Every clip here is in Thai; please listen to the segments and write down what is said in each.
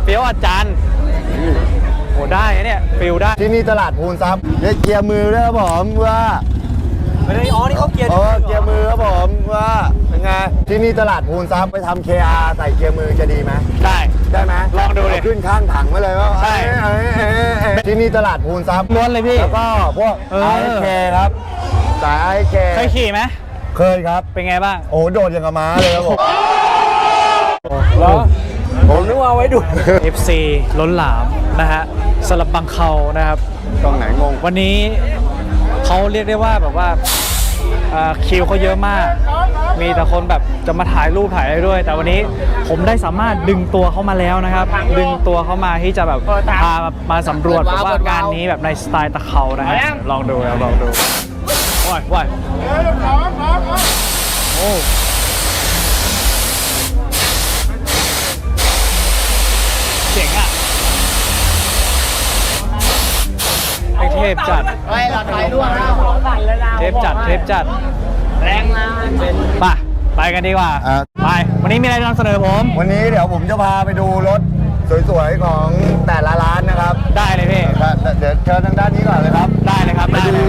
ฟี้ยวอาจารย์โอ้ได้เนี่ยฟิลได้ที่นี่ตลาดพูนทรัพย์เนี่ยเกียร์มือด้วยครับผมว่าไม่ได้อ๋อนี่เขาเกียร์เกียร์มือครับผมว่าเป็นไงที่นี่ตลาดพูนทรัพย์ไปทำ KR ใส่เกียร์มือจะดีไหมได้ไหมลองดูเลยขึ้นข้างถังไว้เลยว่าใช่ที่นี่ตลาดพูนทรัพย์ล้วนเลยพี่แล้วก็พวก IK ครับสาย IK เคยขี่ไหมเคยครับเป็นไงบ้างโอ้โดดอย่างกับม้าเลยครับผมแล้วผมนึกว่าไว้ดู FC ล้นหลามนะฮะสลับบังเขานะครับตรงไหนงงวันนี้เขาเรียกได้ว่าแบบว่าคิวเขาเยอะมากมีแต่คนแบบจะมาถ่ายรูปถ่ายอะไรด้วย แต่วันนี้ผมได้สามารถดึงตัวเขามาแล้วนะครับดึงตัวเขามาที่จะแบบพามาสำรวจแบบว่างานนี้แบบในสไตล์ตะเขานะฮะลองดูลองดูว้ายโอ้เจ๋งอ่ะไอเทพจัดเทพจัดแรงมาไปกันดีกว่าไปวันนี้มีอะไรนำเสนอผมวันนี้เดี๋ยวผมจะพาไปดูรถสวยๆของแต่ละร้านนะครับได้เลยพี่เดี๋ยวเชิญทางด้านนี้ก่อนเลยครับได้เลยครับไปดู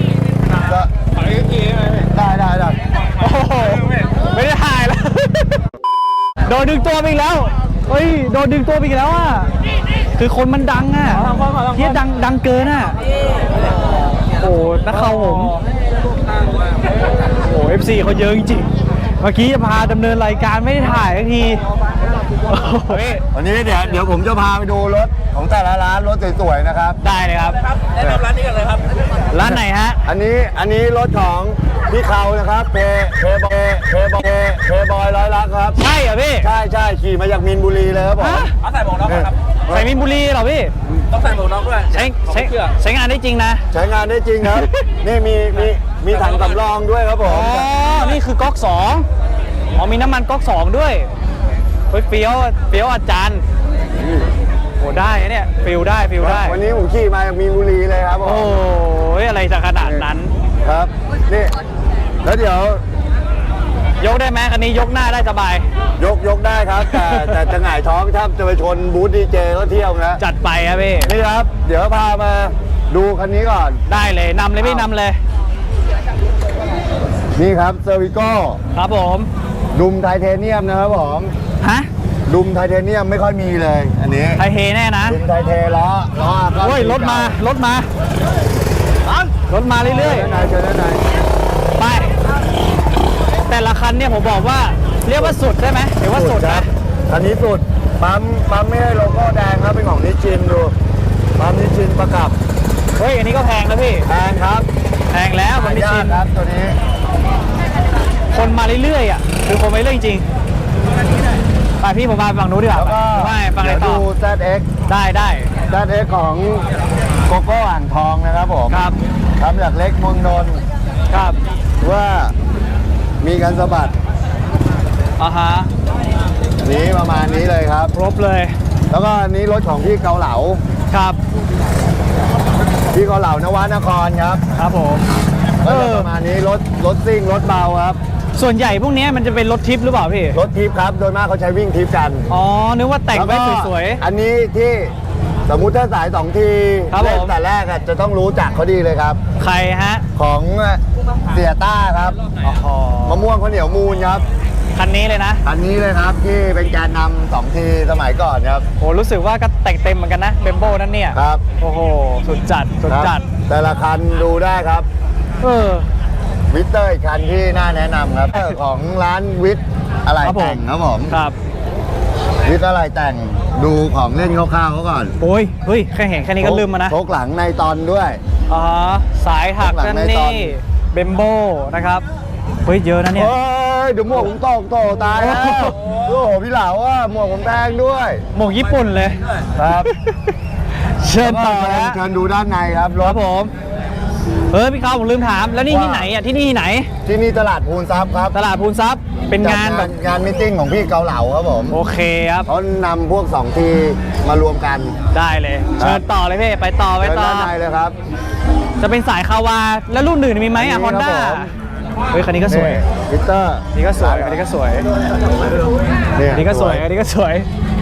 ได้โอ้โหไม่ได้ถ่ายแล้วโดนดึงตัวไปอีกแล้วเฮ้ยโดนดึงตัวไปอีกแล้วอ่ะคือคนมันดังอ่ะเฮียดังเกินอ่ะโอ้นักข่าวผมโอ้ FC เขาเยอะจริงเมื่อกี้จะพาดำเนินรายการไม่ได้ถ่ายสักทีวันนี้เดี๋ยวผมจะพาไปดูรถของแต่ละร้านรถสวยๆนะครับได้เลยครับแนะนำร้านนี้กันเลยครับร้านไหนฮะอันนี้รถของพี่เขานะครับเพบอยร้อยลักครับใช่เหรอพี่ใช่ขี่มาจากมีนบุรีเลยครับผมใส่หมวกน็อกครับใส่มีนบุรีเหรอพี่ต้องใส่หมวกน็อกด้วยใช้งานได้จริงนะใช้งานได้จริงครับนี่มีถังสำรองด้วยครับผมอ๋อนี่คือก๊อก2อ๋อมีน้ำมันก๊อก2ด้วยเฟี้ยวอาจารย์โอ้ได้เนี่ยฟิลได้วันนี้ผมขี่มาจากมีนบุรีเลยครับผมโอ้ยอะไรจะขนาดนั้นครับนี่แล้วเดี๋ยวยกได้ไหมคันนี้ยกหน้าได้สบายยกได้ครับแต่จะหงายท้องถ้าจะไปชนบูธดีเจก็เที่ยวนะจัดไปครับพี่นี่ครับเดี๋ยวพามาดูคันนี้ก่อนได้เลยนำเลยพี่นำเลยนี่ครับเซอร์วิโก้ครับผมดุมไทเทเนียมนะครับผมฮะดุมไทเทเนียมไม่ค่อยมีเลยอันนี้ไทเทแน่นะดุมไทเทล้อโอ้ยรถมาเรื่อยๆเชิญด้านในไปแต่ละคันเนี่ยผมบอกว่าเรียกว่าสุดได้ไหมหรือว่าสุดนะคันนี้สุดปั๊มไม่ให้โลโก้แดงครับเป็นของนิชินดูปั๊มนิชินประกับเฮ้ยอันนี้ก็แพงนะพี่แพงครับแพงแล้วมันนิชินครับตัวนี้คนมาเรื่อยๆอ่ะคือคนมาเรื่อยจริงไปพี่ผมมาฝั่งนู้นดีกว่าไม่ฝั่งไหนต่อดู ZX ได้ ZX ของโกโก้อ่างทองนะครับผมครับทำจากเล็กเมืองนนท์ครับว่ามีการสะบัดฮะนี้ประมาณนี้เลยครับครบเลยแล้วก็อันนี้รถของพี่เกาเหลาครับพี่เกาเหลานวนครครับผมประมาณนี้รถซิ่งรถเบาครับส่วนใหญ่พวกนี้มันจะเป็นรถทิปหรือเปล่าพี่รถทิปครับโดยมากเขาใช้วิ่งทิปกันอ๋อนึกว่าแต่งไว้สวยๆอันนี้ที่สมมุติถ้าสาย2ทีเล่นแต่แรกจะต้องรู้จักเขาดีเลยครับใครฮะของเสียต้าครับมะม่วงข้าวเหนียวมูลครับคันนี้เลยนะคันนี้เลยครับที่เป็นการนำ2ทีสมัยก่อนครับโอ้รู้สึกว่าก็แต่งเต็มเหมือนกันนะเบมโบ้นั่นเนี่ยครับโอ้โหสุดจัดแต่ละคันดูได้ครับวิทเตอร์อีกคันที่น่าแนะนำครับของร้านวิทอะไรแต่งครับผมครับวิทอะไรแต่งดูของเล่นคร่าวๆเขาก่อนโอ้ยเฮ้ยแค่เห็นแค่นี้ก็ลืมมานะโชคหลังในตอนด้วยสายถักนั่นนี่เบมโบ้นะครับเฮ้ยเยอะนะเนี่ยเดี๋ยวหมวกผมโตตายแล้วโอ้โหพี่เหลาว่าหมวกผมแดงด้วยหมวกญี่ปุ่นเลยครับเชิญต่อนะเชิญดูด้านในครับรถผมพี่เขาผมลืมถามแล้วนี่ที่ไหนอ่ะที่นี่ที่ไหนที่นี่ตลาดพูนทรัพย์ครับตลาดพูนทรัพย์เป็นงานแบบงานมิทติ้งของพี่เกาเหลาครับผมโอเคครับเขานำพวก2ทีมารวมกันได้เลยเชิญต่อเลยพี่ไปต่อด้านในเลยครับจะเป็นสายคาวาแล้วรุ่นอื่นมีไหมอ่ะฮอนด้าเฮ้ยคันนี้ก็สวยวิตเตอร์นี่ก็สวยอันนี้ก็สวยนี่ก็สวยอันนี้ก็สวย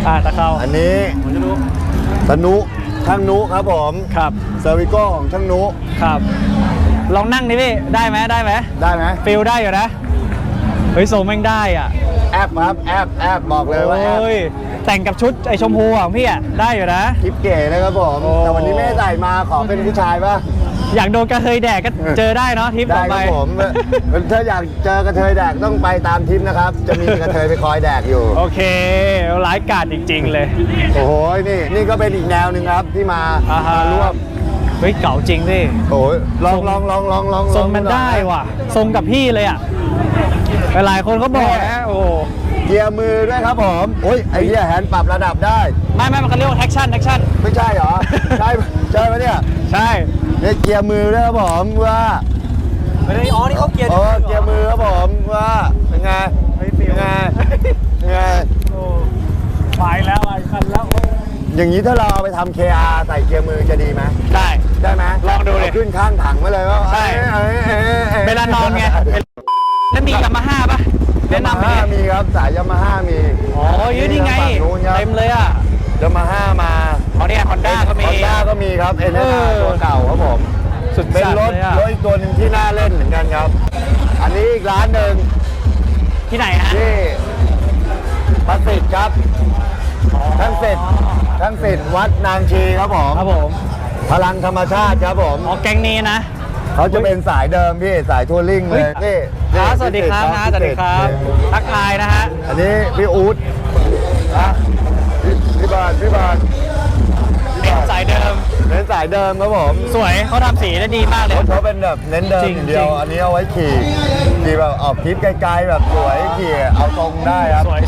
ตะเข้าอันนี้ตะนุช่างนุครับผมครับเซอร์วิโก้ของช่างนุครับ ลองนั่งดิพี่ ได้ไหมได้ไหมฟิลได้อยู่นะ เฮ้ยทรงแม่งได้อ่ะแอปครับแอปบอกเลยว่าแอปโอ้ยแต่งกับชุดไอชมพูของพี่อ่ะ ได้อยู่นะคลิปเก๋เลยครับผมโอ้แต่วันนี้ไม่ได้ใส่มาขอเป็นผู้ชายป่ะอยากโดนกระเทยแดกก็เจอได้เนาะทริปได้ต่อคไปรับผมถ้าอยากเจอกระเทยแดกต้องไปตามทริปนะครับ จะมีกระเทยไปคอยแดกอยู่โอเคร้ายกาจจริง ๆ เลยโอ้โหนี่ก็เป็นอีกแนวหนึ่งครับที่มาอ่าฮะมาร่วมเฮ้ยเก่าจริงดิโอ้ยลองทรงมันได้ว่ะ ทรงกับพี่เลยอ่ะ หลายคนเขาบอกนะโอ้เกียร์มือด้วยครับผมโอ้ยไอ้เหี้ยแฮนด์ปรับระดับได้ไม่มันเขาเรียกว่าแท็กชั่นไม่ใช่เหรอ ใช่ไหมเนี่ยใช่เนี่ยเกียร์มือด้วยครับผมว่าไม่ได้อ๋อนี่เขาเกียร์เกียร์มือครับผมว่าเป็นไงเป็นไงเป็นไงโอ้ไปแล้วไอ้คันแล้วอย่างนี้ถ้าเราเอาไปทำ KR ใส่เกียร์มือจะดีไหม ได้ไหมลองดูดิเาขึ้นข้างถังมาเลยว่าใช่ เวลานอนไงแล้วมียามาฮ่าป่ะแนะนำไปดิมีครับสายยามาฮ่ามีอ๋อยืดนี่ไงฝั่นู้นครับเต็มเลยอ่ะยามาฮ่ามาอ๋อเนี่ยฮอนด้าก็มีฮอนด้าก็มีครับ NSR ตัวเก่าครับผมสุดเป็นจัดรถเลยอ่ะอีกตัวหนึ่งที่น่าเล่นเหมือนกันครับ อันนี้อีกร้านหนึ่งที่ไหนฮะที่ประสิทธิ์ครับท่านเสร็จวัดนางชีครับผมครับผมพลังธรรมชาติครับผมอ๋อแก๊งนี้นะเขาจะเป็นสายเดิมพี่สายทัวริ่งเลยนี่สวัสดีครับนะสวัสดีครับ ทักทายนะฮะอันนี้พี่อู๊ดนะพี่บาทเป็นสายเดิมเป็นสายเดิมครับผมสวยเขาทำสีได้ดีมากเลยรถเขาเป็นแบบเน้นเดิมจริงอย่างเดียวจริงอันนี้เอาไว้ขี่แบบออกทริปไกลๆแบบสวยขี่เอาตรงได้ครับสวย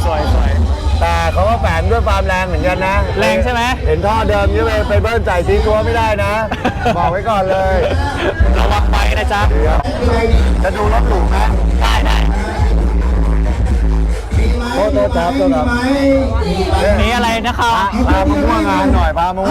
แต่เขาก็แฝงด้วยความแรงเหมือนกันนะแรงใช่ไหมเห็นท่อเดิมนี่ไปเบิ้ลใจทิ้งตัวไม่ได้นะ บอกไว้ก่อนเลยระวังไปนะจ๊ะเดี๋ยวจะดูรถหรูไหมได้โทษครับมีอะไรนะครับพามาม่วงงานหน่อย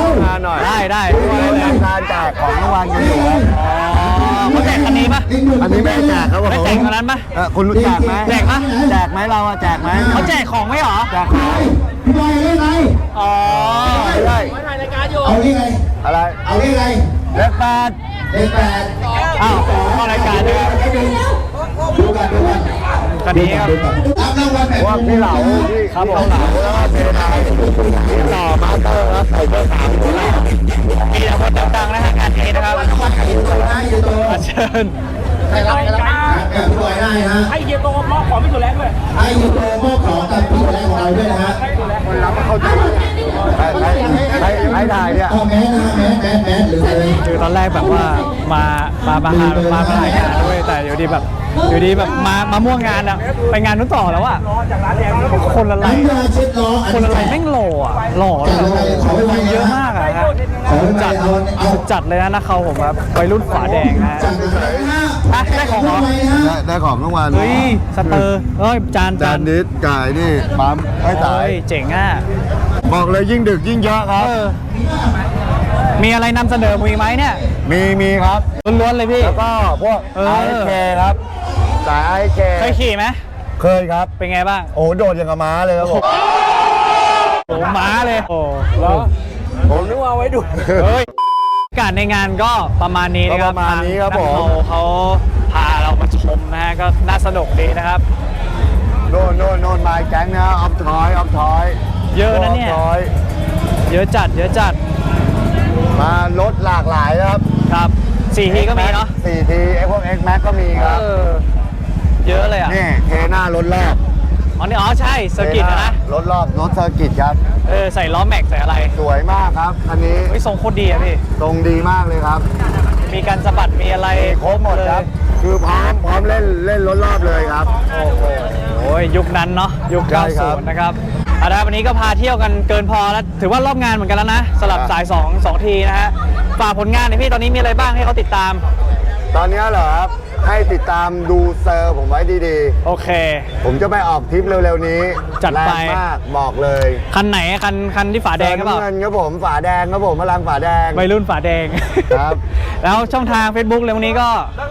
ได้การแจกของรางวัลกันอยู่ครับอ๋อเขาแจกคันนี้ปะอันนี้ไม่ได้แจกครับผมไม่แจกคันนั้นปะคุณรู้จักไหมแจกปะแจกไหมเราอะแจกไหมเขาแจกของไหมเหรอแจกของอ๋อไม่ได้เอาเลขอะไรอะไรเอาเลขอะไรเลขแปดเลขแปดอ้าวเข้ารายการด้วยดูกันคันนี้ครับรับรางวัลแบบพวกพี่เหลาพี่ครับผมเหลาแล้วก็เทไทยพี่หล่อมาสเตอร์ครับใส่เบอร์3คนละมีแต่คนดังๆนะฮะงานนี้นะครับอยู่ตัวเชิญใครรับแบบผู้บอยได้นะให้เยียโตมอบของพี่สุแลนด้วยให้อยู่ตัวมอบของกับผู้บอยของเราด้วยนะฮะคนรับเข้าใจให้ถ่ายเนี่ยเอาแมสนะแมสหรืออะไรคือตอนแรกแบบว่ามาถ่ายงานด้วยแต่อยู่ดีแบบมาม่วงงานอะไปงานนู้นต่อแล้วอะคนละไรน้ำยาเช็ดล้อคนอะไรแม่งหล่ออะหล่อเลยเยอะมากอะฮะขอไปเอาจัดเลยนะเขาผมครับวัยรุ่นฝาแดงนะฮะจัดเลยนะอ่ะได้ของเหรอได้ของรางวัลเฮ้ยสเตอร์เอ้ยจานจานดิสจ่ายนี่ปั๊มให้สายเฮ้ยเจ๋งอ่ะบอกเลยยิ่งดึกยิ่งเยอะครับมีอะไรนำเสนอมีไหมเนี่ยมีครับล้วนๆเลยพี่แล้วก็พวกเออ IK ครับสาย IK เคยขี่ไหมเคยครับเป็นไงบ้างโอ้โดดอย่างกับม้าเลยครับผมโอ้ม้าเลยโอ้แล้วผมนึกว่าไว้ดูเฮ้ยการในงานก็ประมาณนี้นะครับก็ประมาณนี้ครับทางผมเขาพาเรามาชมนะฮะก็น่าสนุกดีนะครับโน่นมาแก๊งนะออฟทอยเยอะนะเนี่ย เยอะจัดมารถหลากหลายนะครับครับ4 ทีก็มีเนาะ 4 ทีไอ้พวก X Max ก็มีครับเยอะเลยอ่ะนี่เทหน้ารถรอบอ๋อใช่เซอร์กิตนะรถรอบรถเซอร์กิตครับใส่ล้อแม็กใส่อะไรสวยมากครับคันนี้เฮ้ยทรงโคตรดีอ่ะพี่ตรงดีมากเลยครับมีการสะบัดมีอะไรครบหมดครับ คือพร้อมเล่นรถรอบเลยครับโอ้ยยุคนั้นเนาะยุคใช่ครับ 90นะครับเอาละวันนี้ก็พาเที่ยวกันเกินพอแล้วถือว่ารอบงานเหมือนกันแล้วนะสลับครับสาย2 ทีนะฮะฝากผลงานหน่อยพี่ตอนนี้มีอะไรบ้างให้เขาติดตามตอนนี้เหรอครับ ให้ติดตามดูเซอร์ผมไว้ดีโอเคๆ ผมจะไปออกทริปเร็วๆนี้จัดไปแรงมากบอกเลยคันไหนคันที่ฝาแดงก็เปล่าเงินครับผมฝาแดงครับผมพลังฝาแดงวัยรุ่นฝาแดงครับแล้วช่องทาง Facebook เลยวันนี้ก็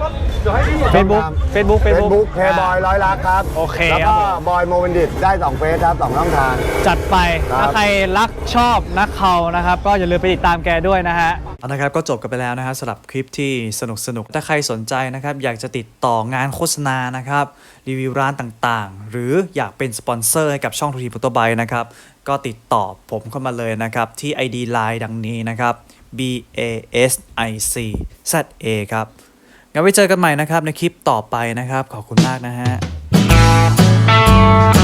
Facebook เฟซบุ๊กเพย์บอยร้อยลักครับโอเคแล้วครัก็บผมบอยโมเวนดิตได้2เฟซครับ2ช่องทางจัดไปครับถ้าใครรักชอบนักเขานะครับ ก็อย่าลืมไปติดตามแกด้วยนะฮะนะครับก็จบกันไปแล้วนะครับสำหรับคลิปที่สนุกถ้าใครสนใจนะครับอยากจะติดต่องานโฆษณานะครับรีวิวร้านต่างๆ หรืออยากเป็นสปอนเซอร์ให้กับช่องทูทีโฟโต้ไบค์นะครับก็ติดต่อผมเข้ามาเลยนะครับที่ ID Line ดังนี้นะครับ BASICZA ครับงั้นไว้เจอกันใหม่นะครับในคลิปต่อไปนะครับขอบคุณมากนะฮะ